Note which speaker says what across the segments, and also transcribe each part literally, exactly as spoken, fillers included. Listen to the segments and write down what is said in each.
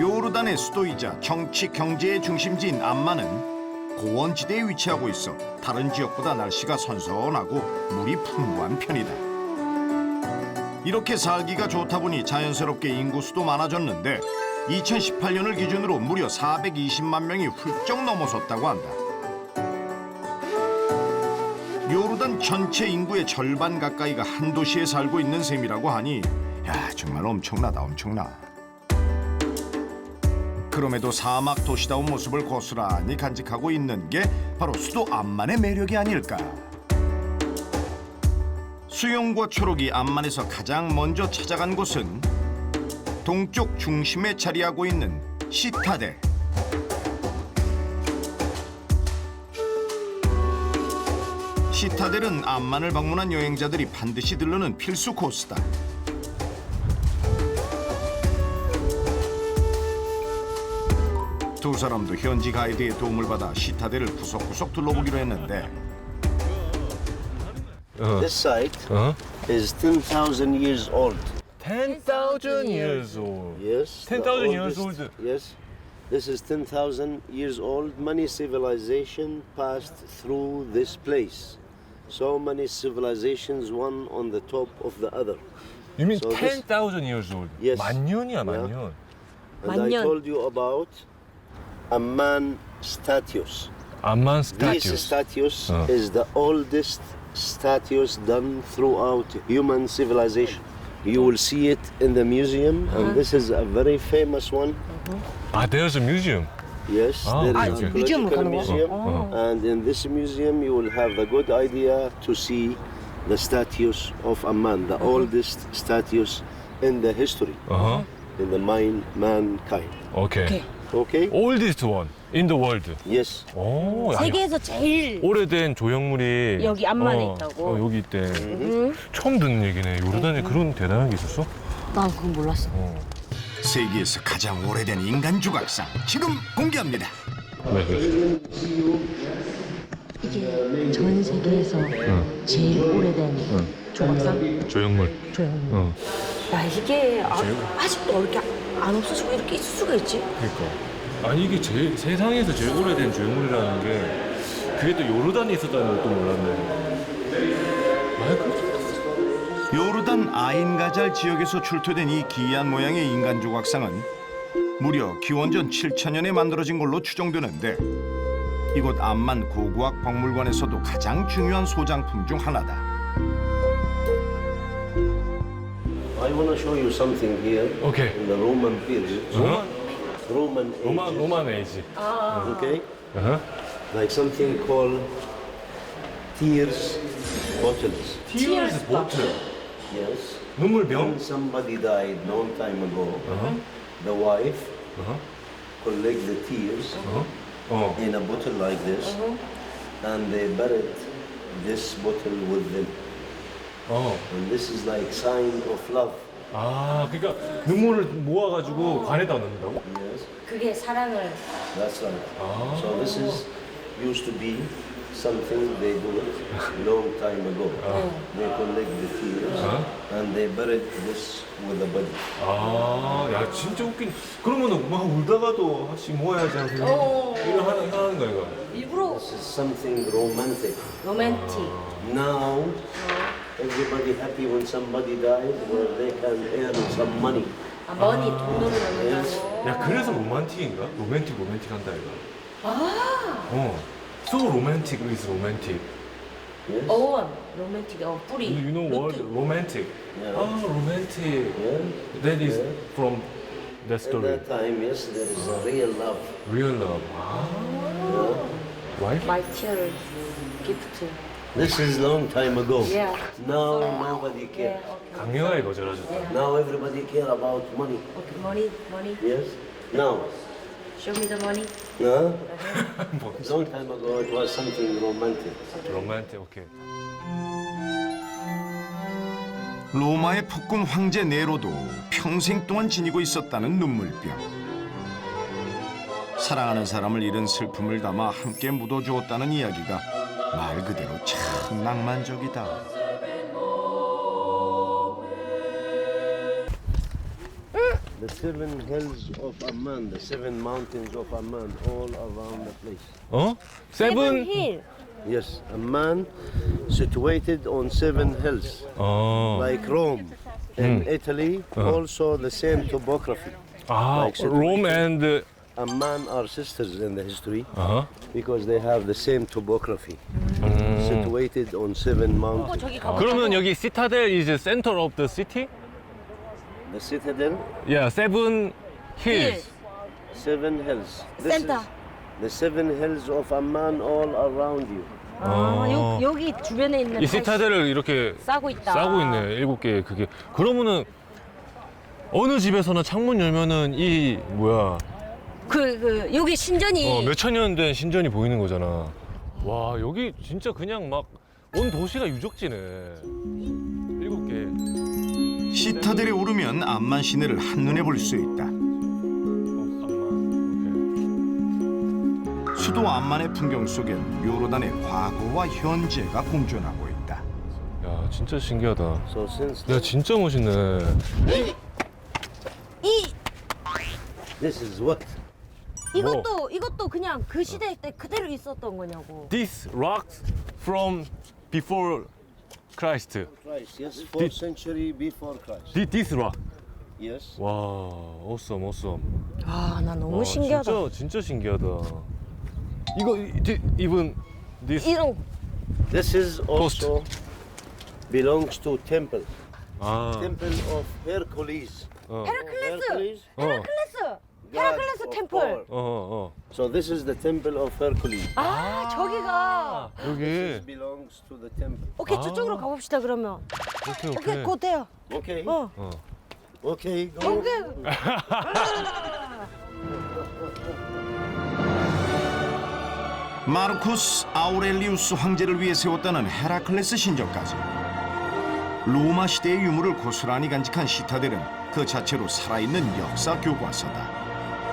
Speaker 1: 요르단의 수도이자 정치 경제의 중심지인 암만은 고원지대에 위치하고 있어 다른 지역보다 날씨가 선선하고 물이 풍부한 편이다. 이렇게 살기가 좋다 보니 자연스럽게 인구 수도 많아졌는데 이천십팔 년을 기준으로 무려 사백이십만 명이 훌쩍 넘어섰다고 한다. 요르단 전체 인구의 절반 가까이가 한 도시에 살고 있는 셈이라고 하니 야 정말 엄청나다 엄청나. 그럼에도 사막 도시다운 모습을 고스란히 간직하고 있는 게 바로 수도 암만의 매력이 아닐까. 수영과 초록이 암만에서 가장 먼저 찾아간 곳은 동쪽 중심에 자리하고 있는 시타델. 시타델은 암만을 방문한 여행자들이 반드시 들르는 필수 코스다. 두 사람도 현지 가이드의 도움을 받아 시타델을 구석구석 둘러보기로 했는데
Speaker 2: This site
Speaker 3: 어?
Speaker 2: is ten thousand years old.
Speaker 3: ten thousand years old.
Speaker 2: Yes.
Speaker 3: ten
Speaker 2: the
Speaker 3: thousand years
Speaker 2: oldest-
Speaker 3: old.
Speaker 2: Yes. This is ten thousand years old. Many civilization passed through this place. So many civilizations, one on the top of the other.
Speaker 3: You mean
Speaker 2: So this-
Speaker 3: ten thousand years old?
Speaker 2: Yes.
Speaker 3: 만 년이야, 만
Speaker 2: Yeah.
Speaker 3: 년.
Speaker 2: And I
Speaker 4: 만년.
Speaker 2: told you about Amman statues.
Speaker 3: 암만
Speaker 2: These
Speaker 3: 스타튜스.
Speaker 2: statues
Speaker 3: Oh.
Speaker 2: is the oldest statues done throughout human civilization. You will see it in the museum, and this is a very famous one.
Speaker 3: 아, there's a museum.
Speaker 2: Yes,
Speaker 3: Ah,
Speaker 2: there
Speaker 3: okay,
Speaker 2: is a
Speaker 3: okay.
Speaker 4: Museum
Speaker 2: archaeological
Speaker 4: 가는 거야?
Speaker 2: museum,
Speaker 3: Uh-huh.
Speaker 2: and in this museum you will have a good idea to see the statues of Amman, the oldest statues in the history,
Speaker 3: 어허.
Speaker 2: in the mind mankind.
Speaker 3: 오케이.
Speaker 4: 오케이.
Speaker 2: Okay?
Speaker 3: Oldest one in the world.
Speaker 2: Yes.
Speaker 3: 오, 야,
Speaker 4: 세계에서 제일
Speaker 3: 오래된 조형물이
Speaker 4: 여기 암만에
Speaker 3: 어,
Speaker 4: 있다고?
Speaker 3: 어, 여기 있대. 처음 듣는 얘기네. 요르단에 그런 대단한 게 있었어?
Speaker 4: 난 그건 몰랐어.
Speaker 3: 어.
Speaker 1: 세계에서 가장 오래된 인간 조각상 지금 공개합니다.
Speaker 3: 네, 그래.
Speaker 4: 이게 전 세계에서 제일 오래된 조각상
Speaker 3: 조형물.
Speaker 4: 조형.
Speaker 3: 어.
Speaker 4: 야 이게 아, 아직도 이렇게 안 없어지고 이렇게 있을 수가 있지?
Speaker 3: 그러니까. 아니 이게 제일, 세상에서 제일 오래된 조형물이라는 게 그게 또 요르단에 있었다는 것도 몰랐네. 아, 그
Speaker 1: 요르단 아인가잘 지역에서 출토된 이 기이한 모양의 인간 조각상은 무려 기원전 칠천 년에 만들어진 걸로 추정되는데 이곳 암만 고고학 박물관에서도 가장 중요한 소장품 중 하나다.
Speaker 2: I want to show you something here
Speaker 3: 오케이.
Speaker 2: in the Roman period.
Speaker 3: 어?
Speaker 2: Roman
Speaker 3: 로마
Speaker 2: ages,
Speaker 3: 로만 에이지.
Speaker 2: okay?
Speaker 3: 어허.
Speaker 2: Like something called tears bottles.
Speaker 3: 티어스 보트.
Speaker 2: Yes.
Speaker 3: 눈물병.
Speaker 2: When somebody died long time ago,
Speaker 3: 어허.
Speaker 2: the wife
Speaker 3: 어허.
Speaker 2: collect the tears
Speaker 3: 어. 어.
Speaker 2: in a bottle like this, and they buried this bottle with them.
Speaker 3: 어.
Speaker 2: And this is like sign of love.
Speaker 3: 아, 그러니까 눈물을 모아가지고 관에다 넣는다고?
Speaker 2: Yes,
Speaker 4: 그게 사랑을
Speaker 2: that's right.
Speaker 3: Ah.
Speaker 2: So this is used to be something they do it long time ago. They collect the tears
Speaker 3: Uh-huh.
Speaker 2: and they buried this with the body.
Speaker 3: 아, 야 진짜 웃긴. 그러면은 막 울다가도 하나씩 모아야지 하는
Speaker 4: 어.
Speaker 3: 이런 하는 하는 거야 이거.
Speaker 4: 일부러
Speaker 2: This is something romantic.
Speaker 4: 로맨틱.
Speaker 2: Now, everybody happy when somebody dies, where they can earn some money.
Speaker 4: 아, 머니 돈으로 넣는다고.
Speaker 3: 야 그래서 로man틱인가? 로맨틱 로맨틱 한다 이거. 아. 어. So romantic is romantic.
Speaker 2: Yes.
Speaker 4: 어원 로맨틱 어 뿌리.
Speaker 3: You know what? Romantic.
Speaker 2: Yeah.
Speaker 3: 아, romantic.
Speaker 2: Yeah.
Speaker 3: That is
Speaker 2: Yeah.
Speaker 3: from that
Speaker 2: At
Speaker 3: story.
Speaker 2: that time, yes, there is a real love.
Speaker 3: Real love. 아. Wife?
Speaker 4: 마이 티어를 기프트.
Speaker 2: This is long time ago.
Speaker 4: Yeah.
Speaker 2: Now nobody
Speaker 4: 예,
Speaker 2: care.
Speaker 4: 오케이.
Speaker 3: 강렬하게 거절하셨다.
Speaker 2: Now everybody care about money.
Speaker 4: 오케이. 머니 머니.
Speaker 2: Yes. Now,
Speaker 4: Show me the money.
Speaker 2: huh? Long time ago, it was something romantic.
Speaker 3: 로맨틱 오케이.
Speaker 1: 로마의 폭군 황제 네로도 평생 동안 지니고 있었다는 눈물병. 사랑하는 사람을 잃은 슬픔을 담아 함께 묻어주었다는 이야기가 말 그대로 참 낭만적이다.
Speaker 2: The seven hills of Amman, the seven mountains of Amman, all around the place.
Speaker 3: 어? 세븐.
Speaker 4: 힐.
Speaker 2: Yes, Amman, situated on seven hills,
Speaker 3: 어.
Speaker 2: like Rome in Italy, also the same topography.
Speaker 3: 아,
Speaker 2: like situation.
Speaker 3: 롬 앤드.
Speaker 2: Amman are sisters in the history
Speaker 3: 어허.
Speaker 2: because they have the same topography, situated on seven
Speaker 4: 어,
Speaker 2: mountains.
Speaker 4: 저기 가봐.
Speaker 3: 그러면 여기 시타델 is center of the city?
Speaker 2: The citadel,
Speaker 3: Yeah, seven hills.
Speaker 2: seven hills. This
Speaker 4: Center.
Speaker 2: is the seven hills of Amman all around you.
Speaker 4: 아, 요, 여기 주변에 있는
Speaker 3: 이 시타델을 이렇게
Speaker 4: 싸고 있다.
Speaker 3: 싸고 있네. 일곱 개 그게. 그러면은 어느 집에서나 창문 열면은 이 뭐야?
Speaker 4: 그, 그, 여기 신전이.
Speaker 3: 어, 몇천 년 된 신전이 보이는 거잖아. 와, 여기 진짜 그냥 막 온 도시가 유적지네. 일곱 개.
Speaker 1: 시타델에 오르면 암만 시내를 한눈에 볼 수 있다. 수도 암만의 풍경 속엔 요르단의 과거와 현재가 공존하고 있다.
Speaker 3: 야, 진짜 신기하다.
Speaker 2: So since
Speaker 3: 야, 진짜 멋있네.
Speaker 4: 이,
Speaker 2: this is what?
Speaker 4: 이것도, 이것도 그냥 그 시대 때 그대로 있었던 거냐고.
Speaker 3: This rocks from before Christ.
Speaker 2: Christ, yes, fourth century before Christ.
Speaker 3: Thi- This rock.
Speaker 2: Yes.
Speaker 3: 와, awesome, awesome.
Speaker 4: 아, 나 너무
Speaker 3: 와,
Speaker 4: 신기하다.
Speaker 3: 진짜 진짜 신기하다. 이거 이- even this
Speaker 4: 이런,
Speaker 2: This is also belongs to temple.
Speaker 3: 아,
Speaker 2: Temple of Hercules.
Speaker 3: 어,
Speaker 4: 헤라클레스!
Speaker 3: 어,
Speaker 4: 헤라클레스!
Speaker 2: god
Speaker 4: 헤라클레스
Speaker 2: of
Speaker 4: 템플.
Speaker 2: war.
Speaker 3: 어, 어.
Speaker 2: So this is the temple of Hercules.
Speaker 4: 아, 저기가.
Speaker 3: 여기.
Speaker 2: This belongs to the temple.
Speaker 4: 오케이,
Speaker 3: 아.
Speaker 4: 저쪽으로 가봅시다, 그러면.
Speaker 3: 오케이,
Speaker 4: 오케이,
Speaker 3: 오케이.
Speaker 4: 곧 돼요.
Speaker 2: Okay.
Speaker 4: 어.
Speaker 3: 어.
Speaker 2: Okay. Go.
Speaker 4: 오케이.
Speaker 1: 마르쿠스 아우렐리우스 황제를 위해 세웠다는 헤라클레스 신전까지 로마 시대의 유물을 고스란히 간직한 시타델은 그 자체로 살아있는 역사 교과서다.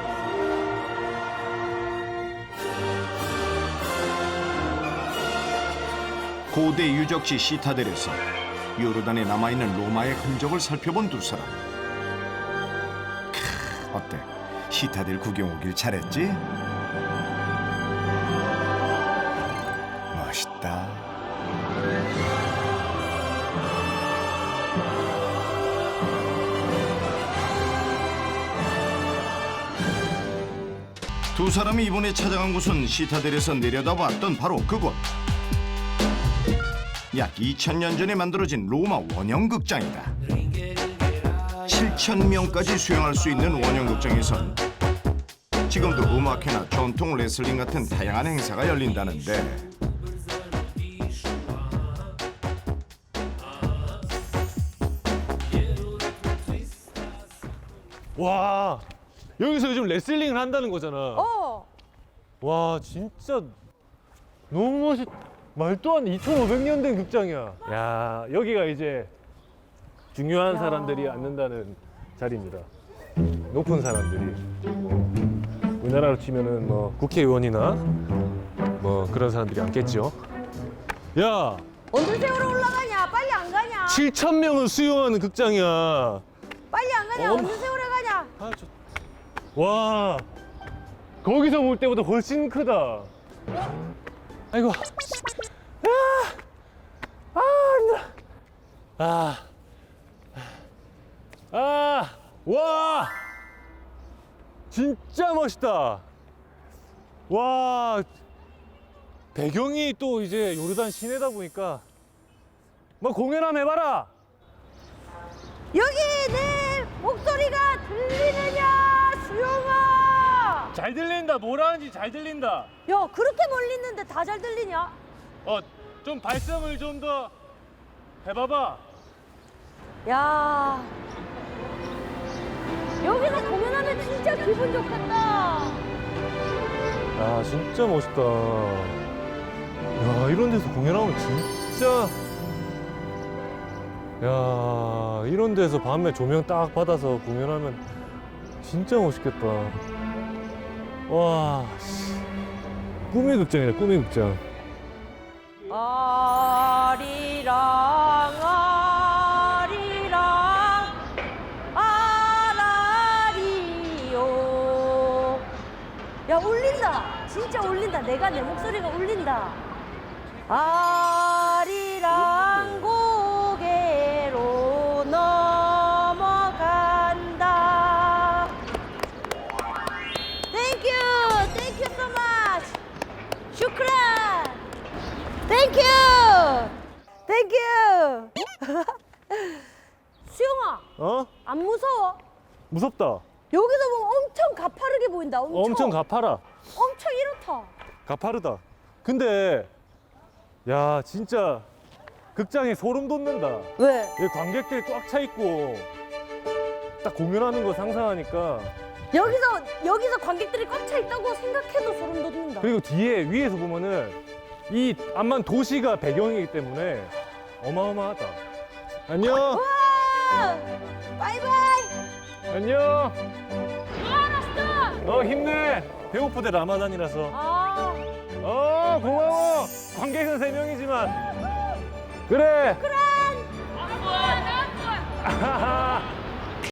Speaker 1: 고대 유적지 시타델에서 요르단에 남아있는 로마의 흔적을 살펴본 두 사람. 크, 어때? 시타델 구경 오길 잘했지? 멋있다. 두 사람이 이번에 찾아간 곳은 시타델에서 내려다봤던 바로 그곳. 약 이천 년 전에 만들어진 로마 원형극장이다. 칠천 명까지 수용할 수 있는 원형극장에선 지금도 음악회나 전통 레슬링 같은 다양한 행사가 열린다는데
Speaker 3: 와, 여기서 요즘 레슬링을 한다는 거잖아.
Speaker 4: 어.
Speaker 3: 와, 진짜 너무 멋있. 말도 안 돼. 이천오백 년 된 극장이야. 야, 여기가 이제 중요한
Speaker 4: 야.
Speaker 3: 사람들이 앉는다는 자리입니다. 높은 사람들이. 뭐, 우리나라로 치면은 뭐 국회의원이나 뭐 그런 사람들이 앉겠죠. 야,
Speaker 4: 언제 세월호 올라가냐? 빨리 안 가냐?
Speaker 3: 칠천 명을 수용하는 극장이야.
Speaker 4: 빨리 안 가냐?
Speaker 3: 어머.
Speaker 4: 언제 세월호 가냐?
Speaker 3: 아, 저... 와, 거기서 볼 때보다 훨씬 크다. 아이고. 아, 아, 힘들어. 아, 아, 와, 진짜 멋있다. 와, 배경이 또 이제 요르단 시내다 보니까 뭐 공연 한번 해봐라.
Speaker 4: 여기 내 목소리가 들리느냐, 수영아?
Speaker 3: 잘 들린다. 뭐라는지 잘 들린다.
Speaker 4: 야, 그렇게 멀리 있는데 다 잘 들리냐?
Speaker 3: 어, 좀 발성을 좀 더 해봐봐.
Speaker 4: 야, 여기서 공연하면 진짜 기분 좋겠다.
Speaker 3: 야, 진짜 멋있다. 야, 이런 데서 공연하면 진짜. 야, 이런 데서 밤에 조명 딱 받아서 공연하면 진짜 멋있겠다. 와, 씨. 꿈의 극장이다, 꿈의 극장.
Speaker 4: 아리랑 아리랑 아라리
Speaker 5: 야 울린다. 진짜 울린다. 내가 내 목소리가 울린다. 아리랑 고개로 넘어간다. Thank you, thank you so much. 슈크란. Thank you, thank you. 수영아,
Speaker 3: 어?
Speaker 5: 안 무서워?
Speaker 3: 무섭다.
Speaker 5: 여기서 보면 엄청 가파르게 보인다. 엄청.
Speaker 3: 엄청 가파라.
Speaker 5: 엄청 이렇다.
Speaker 3: 가파르다. 근데 야 진짜 극장에 소름 돋는다.
Speaker 5: 왜?
Speaker 3: 여기 관객들이 꽉 차 있고 딱 공연하는 거 상상하니까.
Speaker 5: 여기서 여기서 관객들이 꽉 차 있다고 생각해도 소름 돋는다.
Speaker 3: 그리고 뒤에 위에서 보면은 이 암만 도시가 배경이기 때문에 어마어마하다. 안녕.
Speaker 5: 와! 바이바이.
Speaker 3: 안녕.
Speaker 5: 알았어.
Speaker 3: 어 힘내. 배고프대 라마단이라서.
Speaker 5: 아,
Speaker 3: 어 고마워. 관객은 세 명이지만. 그래.
Speaker 5: 그래.
Speaker 3: 아하하.